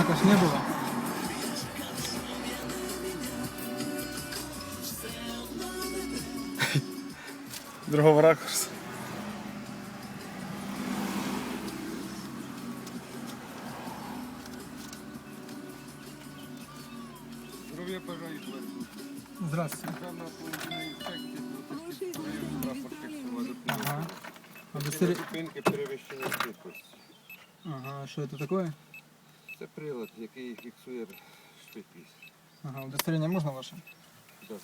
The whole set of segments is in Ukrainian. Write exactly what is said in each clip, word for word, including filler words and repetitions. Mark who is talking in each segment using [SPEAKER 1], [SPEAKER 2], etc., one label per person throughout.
[SPEAKER 1] знака ж не было.
[SPEAKER 2] Другого ракурсу.
[SPEAKER 3] Здоров'я бажаю.
[SPEAKER 1] Здравствуйте.
[SPEAKER 3] Державна поліцейська інспекція, Полтавський район, транспорт фіксувала.
[SPEAKER 1] Ага.
[SPEAKER 3] Для
[SPEAKER 1] Удостовер...
[SPEAKER 3] зупинки перевищення швидкості.
[SPEAKER 1] Ага, что это такое?
[SPEAKER 3] Це прилад, який фіксує швидкість.
[SPEAKER 1] Ага, удостоверение можно ваше?
[SPEAKER 3] Да.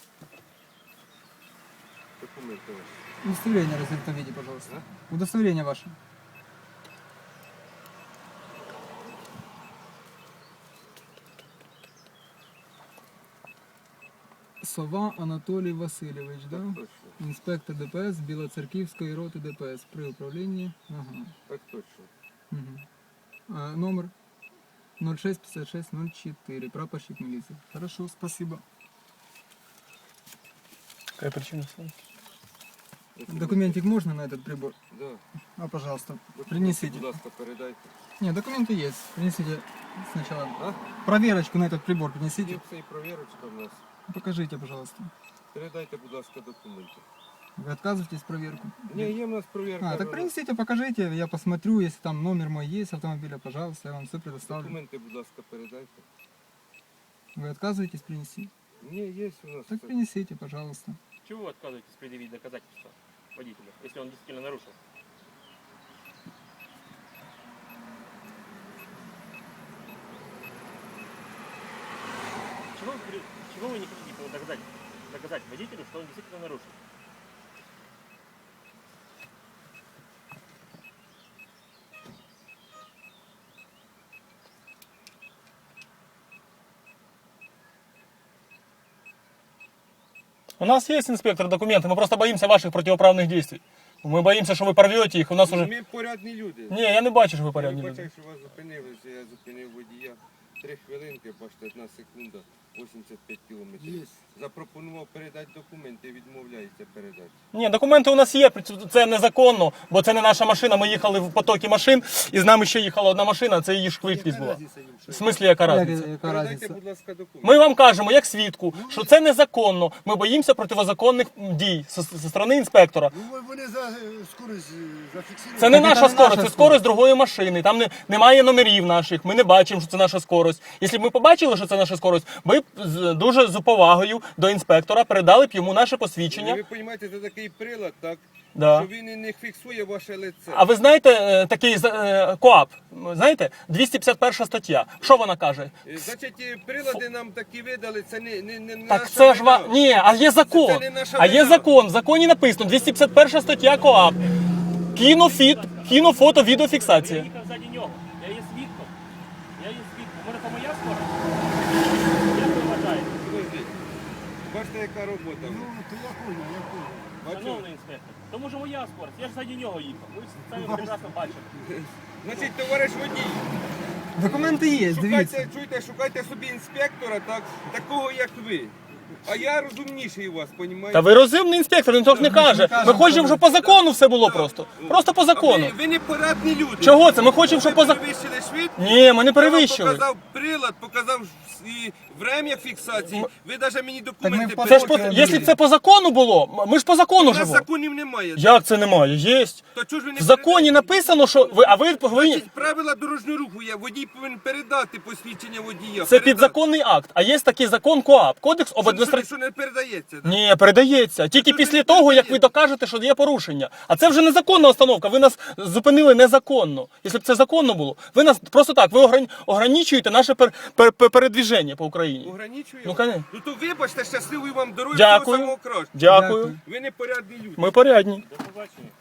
[SPEAKER 3] Документи ваші.
[SPEAKER 1] Удостоверение в развернутом виде, пожалуйста. Удостоверение ваше. Сова Анатолій Васильович, да?
[SPEAKER 3] Так точно.
[SPEAKER 1] Інспектор ДПС Білоцерківської роти ДПС при управлінні. Ага.
[SPEAKER 3] Так точно.
[SPEAKER 1] Угу. А, номер ноль шесть пятьдесят шесть ноль четыре, прапорщик милиции. Хорошо, спасибо.
[SPEAKER 2] Какая причина?
[SPEAKER 1] Документик можно на этот прибор?
[SPEAKER 3] Да.
[SPEAKER 1] А, пожалуйста,
[SPEAKER 3] Документи,
[SPEAKER 1] принесите.
[SPEAKER 3] будь ласка, передайте.
[SPEAKER 1] Не, документы есть. Принесите сначала.
[SPEAKER 3] А?
[SPEAKER 1] Проверочку на этот прибор
[SPEAKER 3] Є
[SPEAKER 1] принесите.
[SPEAKER 3] це і провірочка в нас.
[SPEAKER 1] Покажите, пожалуйста.
[SPEAKER 3] Передайте, будь ласка, документи.
[SPEAKER 1] Вы отказываетесь проверку?
[SPEAKER 3] Ні, є в нас провірка.
[SPEAKER 1] А, так принесите, покажите, я посмотрю, если там номер мой есть автомобиля, пожалуйста, я вам все предоставлю.
[SPEAKER 3] Документи, будь ласка, передайте.
[SPEAKER 1] Вы отказываетесь принести?
[SPEAKER 3] Ні, є у нас.
[SPEAKER 1] Так
[SPEAKER 3] це.
[SPEAKER 1] принесите, пожалуйста.
[SPEAKER 4] Чего вы отказываетесь предъявить доказательства водителя, если он действительно нарушил? Чего вы, при- чего вы не хотите доказать, доказать водителю, что он действительно нарушил?
[SPEAKER 2] У нас есть, инспектор, документы, мы просто боимся ваших противоправных действий. Мы боимся, что вы порвете их, у нас уже...
[SPEAKER 3] Ми порядні люди.
[SPEAKER 2] Не, я не бачу, що ви
[SPEAKER 3] Я
[SPEAKER 2] порядні
[SPEAKER 3] бачив,
[SPEAKER 2] люди.
[SPEAKER 3] що вас зупинилися, я зупинив водія. Три хвилинки, бачите, одна секунда, вісімдесят п'ять кілометрів. Запропонував передати документи, відмовляється передати.
[SPEAKER 2] Ні, документи у нас є, це незаконно, бо це не наша машина, ми їхали в потокі машин, і з нами ще їхала одна машина, це її швидкість була. В смислі, яка разниця?
[SPEAKER 1] Яка
[SPEAKER 3] Передайте,
[SPEAKER 1] разница?
[SPEAKER 3] будь ласка, документи.
[SPEAKER 2] Ми вам кажемо, як свідку, що це незаконно, ми боїмося противозаконних дій зі зі сторони інспектора.
[SPEAKER 5] Ну, вони за е, скорость е, зафіксували.
[SPEAKER 2] Це не
[SPEAKER 1] Так це
[SPEAKER 2] наша
[SPEAKER 1] не
[SPEAKER 2] скорость,
[SPEAKER 1] наша
[SPEAKER 2] це скорость другої машини. Там не, немає номерів наших, ми не бачимо, що це наша скорость. Якщо б ми побачили, що це наша скорость, ми б з- дуже з повагою до інспектора передали б йому наше посвідчення.
[SPEAKER 3] Ви розумієте, це такий прилад, так?
[SPEAKER 2] Да.
[SPEAKER 3] Що він і не фіксує ваше лице.
[SPEAKER 2] А ви знаєте е, такий е, КоАП, знаєте, двісті п'ятдесят перша стаття, що вона каже?
[SPEAKER 3] Е, Значить, і прилади нам такі видали, це не, не, не наша
[SPEAKER 2] Так це ж ва...
[SPEAKER 3] вина.
[SPEAKER 2] Ні, а є закон.
[SPEAKER 3] Це не наша
[SPEAKER 2] А є
[SPEAKER 3] вина.
[SPEAKER 2] закон. В законі написано двісті п'ятдесят перша стаття КоАП. Кінофіт, кінофото,
[SPEAKER 4] Я
[SPEAKER 2] відеофіксація.
[SPEAKER 4] їхав ззаді нього, я є свідком. Я є свідком. Може, це моя скорость? Як ви вважаєте?
[SPEAKER 3] Подождіть. Бачите, яка робота.
[SPEAKER 5] Ну, то я понял, я понял.
[SPEAKER 3] Бачите?
[SPEAKER 4] Шановний інспектор, тому що моя скорость, я ж ззаді нього їхав. Ви ж самі прекрасно бачите.
[SPEAKER 3] Значить, товариш водій,
[SPEAKER 1] Документы есть, дивіться.
[SPEAKER 3] шукайте, чуєте, шукайте собі інспектора, так, такого як ви. А я розумніший вас, понімаєте?
[SPEAKER 2] Та ви розумний інспектор, він так не каже. Ми
[SPEAKER 1] кажемо,
[SPEAKER 2] хочемо, щоб по закону все було просто. Просто по
[SPEAKER 3] А
[SPEAKER 2] закону.
[SPEAKER 3] Ви, ви не порадні люди.
[SPEAKER 2] Чого це? Ми хочемо, щоб
[SPEAKER 3] ви
[SPEAKER 2] по закону.
[SPEAKER 3] перевищили швидкість.
[SPEAKER 2] Ні, ми не
[SPEAKER 3] Я
[SPEAKER 2] перевищили.
[SPEAKER 3] вам показав прилад, показав і время фіксації. Ви навіть мені документи
[SPEAKER 1] по-
[SPEAKER 2] Це ж по...
[SPEAKER 1] Поки
[SPEAKER 2] Якщо б це по закону було, ми ж по закону
[SPEAKER 3] У нас
[SPEAKER 2] живемо.
[SPEAKER 3] законів немає.
[SPEAKER 2] Як це немає? Єсть.
[SPEAKER 3] То чого ж ви не
[SPEAKER 2] В законі
[SPEAKER 3] передаєте?
[SPEAKER 2] написано, що ви, а ви повинні.
[SPEAKER 3] Значить, правила дорожнього руху є. Водій повинен передати посвідчення водія.
[SPEAKER 2] Це
[SPEAKER 3] Передати.
[SPEAKER 2] підзаконний акт. А є такий закон КоАП, кодекс об
[SPEAKER 3] Що, що,
[SPEAKER 2] адміністрації.
[SPEAKER 3] що не передається? так?
[SPEAKER 2] Ні, передається. Тільки
[SPEAKER 3] це
[SPEAKER 2] після
[SPEAKER 3] не
[SPEAKER 2] того, як ви
[SPEAKER 3] передається.
[SPEAKER 2] докажете, що є порушення. А це вже незаконна установка. Ви нас зупинили незаконно. Якщо б це законно було, ви нас просто так, ви огрань- ограничуєте наше пер, пер, пер, передвіження по Україні.
[SPEAKER 3] Ограничує?
[SPEAKER 2] Ну, конечно.
[SPEAKER 3] Ну то вибачте, щасливої вам дороги,
[SPEAKER 2] Дякую.
[SPEAKER 3] всього самого кращого.
[SPEAKER 2] Дякую.
[SPEAKER 3] Ви не порядні люди.
[SPEAKER 2] Ми порядні.
[SPEAKER 4] До побачення.